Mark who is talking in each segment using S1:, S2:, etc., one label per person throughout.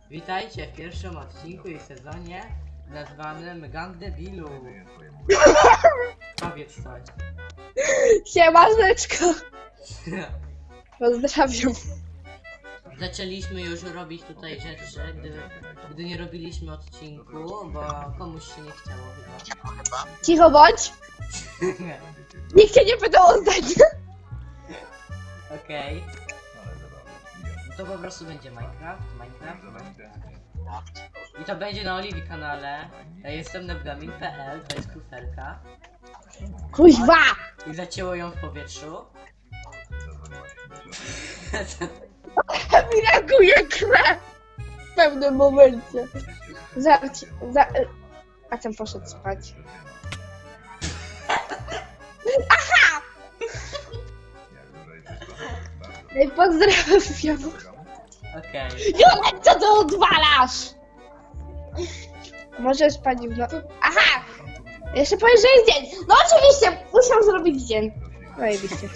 S1: Witajcie w pierwszym odcinku i sezonie nazwanym Gang Debilu. Powiedz coś.
S2: Siemaneczko. Pozdrawiam.
S1: Zaczęliśmy już robić tutaj rzeczy, gdy nie robiliśmy odcinku, bo komuś się nie chciało chyba.
S2: Cicho bądź. Nikt cię nie pytał o zdanie.
S1: Okej. No to po prostu będzie Minecraft. I to będzie na Oliwii kanale. Ja jestem nebgamin.pl, to jest kufelka.
S2: Kuźwa.
S1: I zacięło ją w powietrzu.
S2: Mi reaguje krew. W pewnym momencie. A ten poszedł spać. Aha! Ej, pozdrawiam.
S1: Okej.
S2: Julek, co ty odwalasz? Możesz pani w no... Aha! Jeszcze powiesz, że jest dzień. No oczywiście, musiał zrobić dzień. Zajebiście.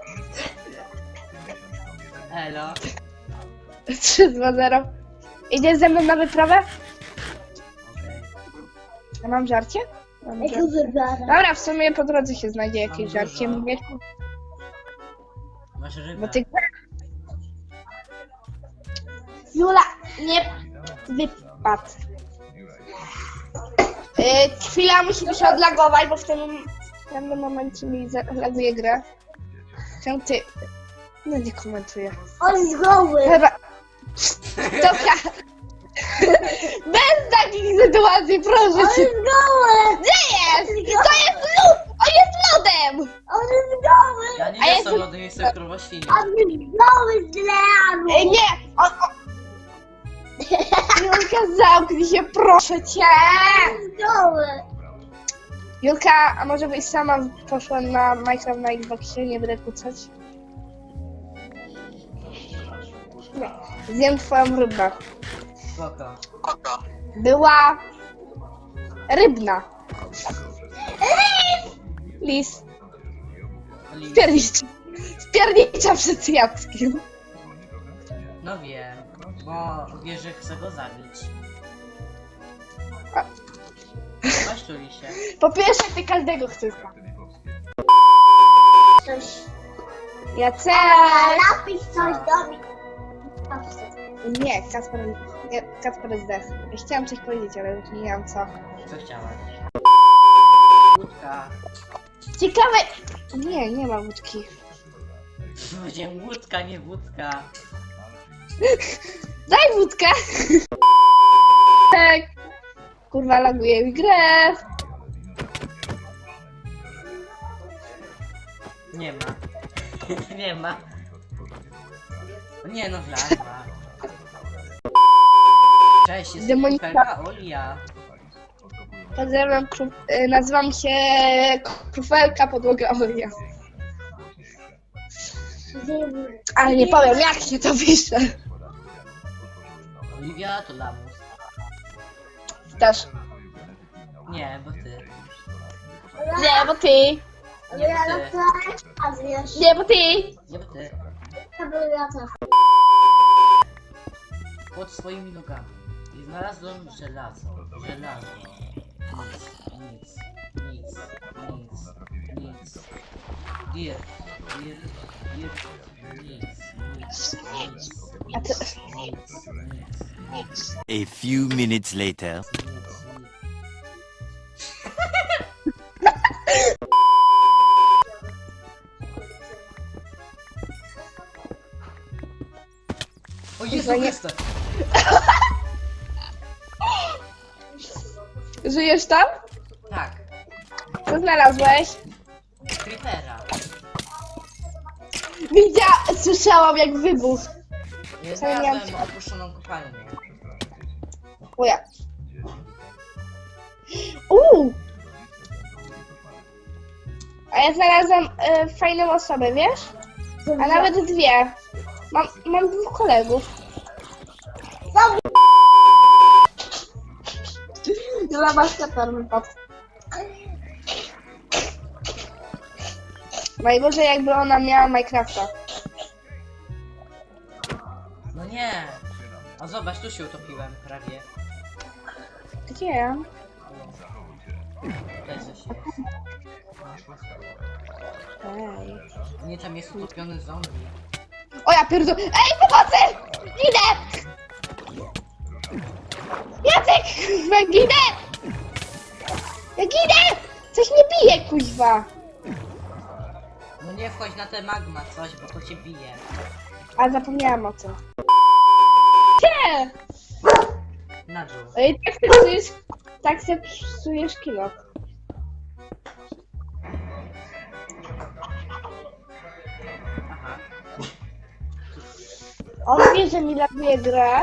S1: Elo.
S2: 3-2-0. Idziesz ze mną na wyprawę?
S1: Okej.
S2: Ja mam żarcie? Mam żarcie. Dobra, w sumie po drodze się znajdzie jakieś
S1: dużo.
S2: żarcie. Mówię,
S1: Masz rybę.
S2: bo ty... Jula, nie wypadł. Chwila, musimy się odlagować, bo w tym momencie mi zalaguje grę. Czemu ty... No nie komentuję.
S3: On jest goły!
S2: Chyba... Dobra. Bez takich sytuacji, proszę
S3: On
S2: cię.
S3: jest goły!
S2: Gdzie jest? To jest lód! On jest lodem!
S3: On jest goły!
S1: Ja nie
S2: A ja
S1: jestem
S2: tu-
S1: lody, jestem krowoświnią.
S3: On jest goły z leanu!
S2: Nie! Julka, zamknij się, proszę cię!
S3: On jest goły!
S2: Julka, a może byś sama poszła na Minecraft na Xboxie, nie będę kłócać? Nie. Zjem twoją rybę.
S1: Spoko.
S2: Była... rybna. Lis. Spiernicza przed Jackiem.
S1: No wiem, bo wie, że chce go zabić.
S2: A.
S1: Chodź tu, lisie.
S2: Po pierwsze, ty każdego chcesz zabić.
S3: Coś...
S2: Jacek!
S3: Napisz coś do mnie.
S2: Nie, Kacper zdech. Ja chciałam coś powiedzieć, ale już nie miałam co.
S1: Co chciałaś? Łódka.
S2: Ciekawe... Nie ma łódki.
S1: Będzie łódka, nie wódka.
S2: Daj wódkę! Tak. Kurwa, laguje mi grę.
S1: Nie ma. Nie ma. Nie no, wlazła. Cześć, jestem
S2: Demonika.
S1: kufelka Olia.
S2: Pozdrawiam, nazywam się Krufelka Podłoga Olia. Ale nie powiem, jak się to pisze.
S1: Oliwia to lamus.
S2: Też.
S1: Nie, bo ty.
S2: Nie, bo ty.
S1: Nie, bo ty.
S3: A wiesz,
S2: Nie, bo ty.
S1: Nie, bo ty.
S3: to był ja też.
S1: Pod swoimi nogami. I znalazłem żelazo. Żelazo. Nic. Dirt.
S2: A ty...
S4: A few minutes later.
S1: O Jezu Chryste!
S2: Żyjesz tam?
S1: Tak.
S2: Co znalazłeś?
S1: Creepera.
S2: Słyszałam jak wybuch.
S1: Ja
S2: Co ja miałam-
S1: znalazłem opuszczoną kopalnię.
S2: O ja. A ja znalazłam fajną osobę, wiesz? A nawet dwie. Mam dwóch kolegów. Dla maskator wypadł. Najgorzej jakby ona miała Minecrafta.
S1: No nie! A zobacz, tu się utopiłem prawie.
S2: Gdzie?
S1: Tutaj coś jest.
S2: Ej.
S1: Nie, tam jest utopiony zombie.
S2: O ja pierdolę. Ej, pomocy! Ginę! Jacek! Kurwa, ginę! Ja ginę! Coś mnie bije, kuźwa.
S1: No nie wchodź na te magma coś, bo to cię bije.
S2: A zapomniałam o tym. Nie!
S1: Na dół.
S2: Ej, tak se psujesz kilo.
S1: Aha.
S2: On wie, że mi laguje grę.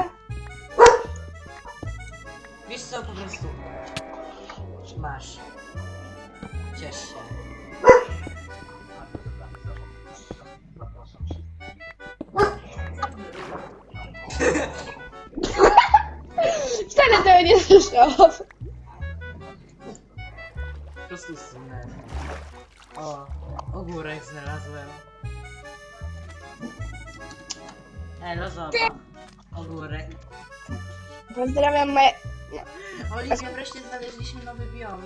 S1: Wiesz co, po prostu... Masz. Ciesz się.
S2: Wcale tego nie słyszałam.
S1: Po prostu zsunę. O, ogórek znalazłem. Elo, zobacz. Ogórek.
S2: Pozdrawiam moje...
S1: Oliwia, wreszcie znaleźliśmy nowy biom.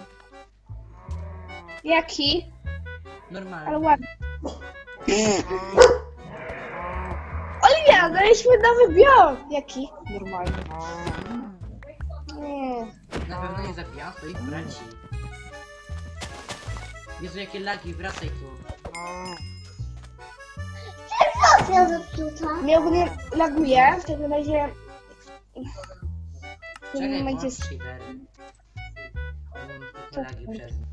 S2: Jaki? Ale
S1: Normalny.
S2: ładny. Oliwia, znaleźliśmy nowy biom! Jaki? Normalny. Nie.
S1: Na pewno nie zabijam swoich braci. Jezu, jakie lagi, wracaj tu.
S3: Ja zepsuta.
S2: Mnie ogólnie laguje, w takim razie... W tym
S1: Czekaj,
S2: momencie...
S1: włącz cheatery. Te lagi przez nie.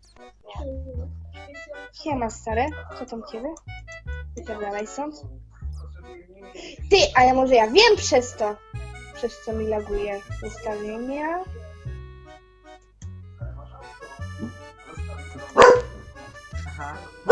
S2: Siema, stary. Co tam ciebie? Wypierdalaj stąd. Ty, a ja może ja wiem przez to. Przez co mi laguje ustawienia.
S1: Aha.